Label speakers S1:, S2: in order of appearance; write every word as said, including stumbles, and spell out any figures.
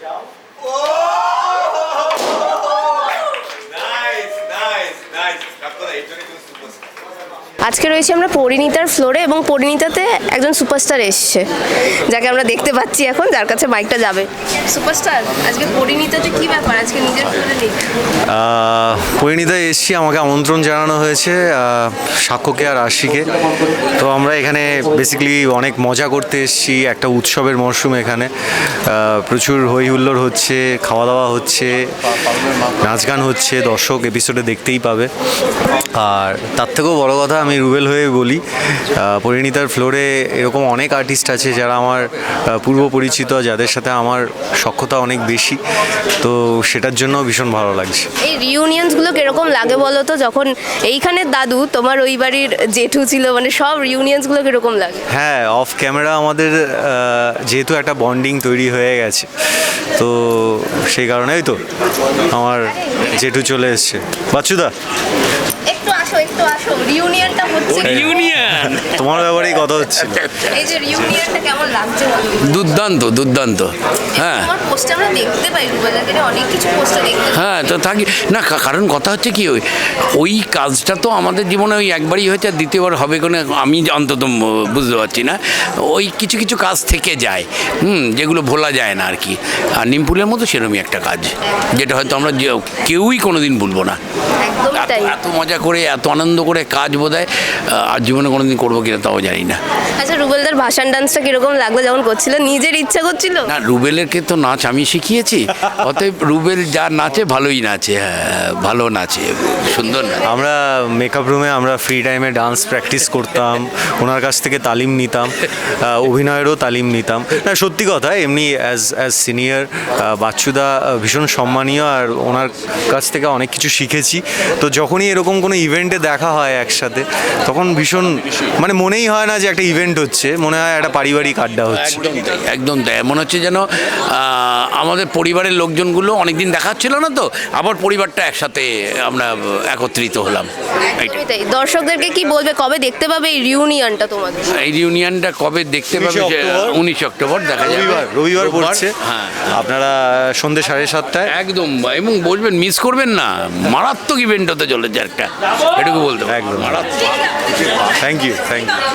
S1: আজকে রয়েছে আমরা পরিণীতার ফ্লোরে এবং পরিণীতাতে একজন সুপারস্টার এসছে, যাকে আমরা দেখতে পাচ্ছি এখন, যার কাছে বাইকটা যাবে। সুপারস্টার, আজকে পরিণীতাতে কি ব্যাপার? আজকে নিজের ফ্লোরে নেই।
S2: পরিণীতা এসছি, আমাকে আমন্ত্রণ জানানো হয়েছে সাক্ষ্যকে আর আশিকে। তো আমরা এখানে বেসিক্যালি অনেক মজা করতে এসেছি, একটা উৎসবের মরশুম এখানে, প্রচুর হই হুল্লোড় হচ্ছে, খাওয়া দাওয়া হচ্ছে, নাচ গান হচ্ছে, দর্শক এপিসোডে দেখতেই পাবে। আর তার থেকেও বড় কথা, আমি রুবেল হয়ে বলি, পরিণীতার ফ্লোরে এরকম অনেক আর্টিস্ট আছে যারা আমার পূর্ব পরিচিত, যাদের সাথে আমার সখ্যতা অনেক বেশি, তো সেটার জন্য ভীষণ ভালো লাগছে।
S1: এই রিউনিয়নসগুলো কিরকম লাগে বলো তো? যখন এইখানে দাদু, তোমার ওই বাড়ির জেঠু ছিল, মানে সব রিউনিয়নসগুলো কিরকম লাগে?
S2: হ্যাঁ, অফ ক্যামেরা আমাদের যেহেতু একটা বন্ডিং তৈরি হয়ে গেছে, তো সেই কারণেই তো আমার জেঠু চলে এসছে। বাচ্চুদা,
S1: একটু আসো, একটু আসো। রিউনিয়নটা হচ্ছে,
S3: রিউনিয়ন
S2: তোমার ব্যাপারেই কথা হচ্ছে।
S1: এই যে রিউনিয়নটা কেমন লাগছে?
S3: দুর্দান্ত দুর্দান্ত। হ্যাঁ,
S1: তোমার পোস্টে আমরা দেখতে পাই, রুবেলাকে অনেক কিছু পোস্টে দেখতে পাই।
S3: হ্যাঁ, তো থাকি না, কারণ কথা হচ্ছে কি, ওই ওই কাজটা তো আমাদের জীবনে ওই একবারই হয়েছে, আর দ্বিতীয়বার হবে কোনো আমি অন্তত বুঝতে পারছি না। ওই কিছু কিছু কাজ থেকে যায়, হুম, যেগুলো ভোলা যায় না আর কি। আর নিমপুলের মতো সেরকমই একটা কাজ, যেটা হয়তো আমরা কেউই কোনো দিন ভুলবো না।
S1: একদম তাই।
S3: এত মজা করে, এত আনন্দ করে কাজ বোধহয় আর জীবনে কোনো দিন করবো কিনা তাও জানি না।
S1: আচ্ছা, রুবেলদার ভাষণ ডান্সটা কিরকম লাগলো যখন করছিল? নিজের ইচ্ছা করছিল
S3: না, রুবেলেরকে তো নাচ আমি শিখিয়েছি, অতএব রুবেল যা নাচে ভালোই নাচে, হ্যাঁ ভালো নাচে, সুন্দর নাচে।
S2: আমরা মেকআপ রুমে আমরা ফ্রি টাইমে ডান্স প্র্যাকটিস করতাম, ওনার কাছ থেকে তালিম নিতাম, অভিনয়েরও তালিম নিতাম। না, সত্যি কথা, এমনি অ্যাজ অ্যাজ সিনিয়র বাচ্চুদা ভীষণ সম্মানীয়, আর ওনার কাছ থেকে অনেক কিছু শিখেছি। তো যখনই এরকম কোনো ইভেন্টে দেখা হয় একসাথে, তখন ভীষণ মানে মনেই হয় না যে একটা ইভেন্ট হচ্ছে, মনে হয় একটা পারিবারিক আড্ডা হচ্ছে।
S3: একদম তাই, একদম তাই। মনে হচ্ছে যেন আমাদের পরিবারের লোকজনগুলো অনেকদিন দেখা ছিল না, তো আবার পরিবারটা একসাথে আমরা একত্রিত হলাম।
S1: একদমই তাই। দর্শকদেরকে কি বলবে, কবে দেখতে পাবে এই রিউনিয়নটা তোমাদের?
S3: এই রিউনিয়নটা কবে দেখতে পাবে? উনিশ অক্টোবর দেখা যাবে,
S2: রবিবার রবিবার পড়ছে।
S3: হ্যাঁ,
S2: আপনারা সন্ধ্যে সাড়ে সাতটায়
S3: একদম, এবং বলবেন মিস করবেন না, মারাত্মক ইভেন্ট হতে চলেছে একটা, এটুকু বলতে
S2: একদম।
S3: মারাত্মক।
S2: Thank you thank you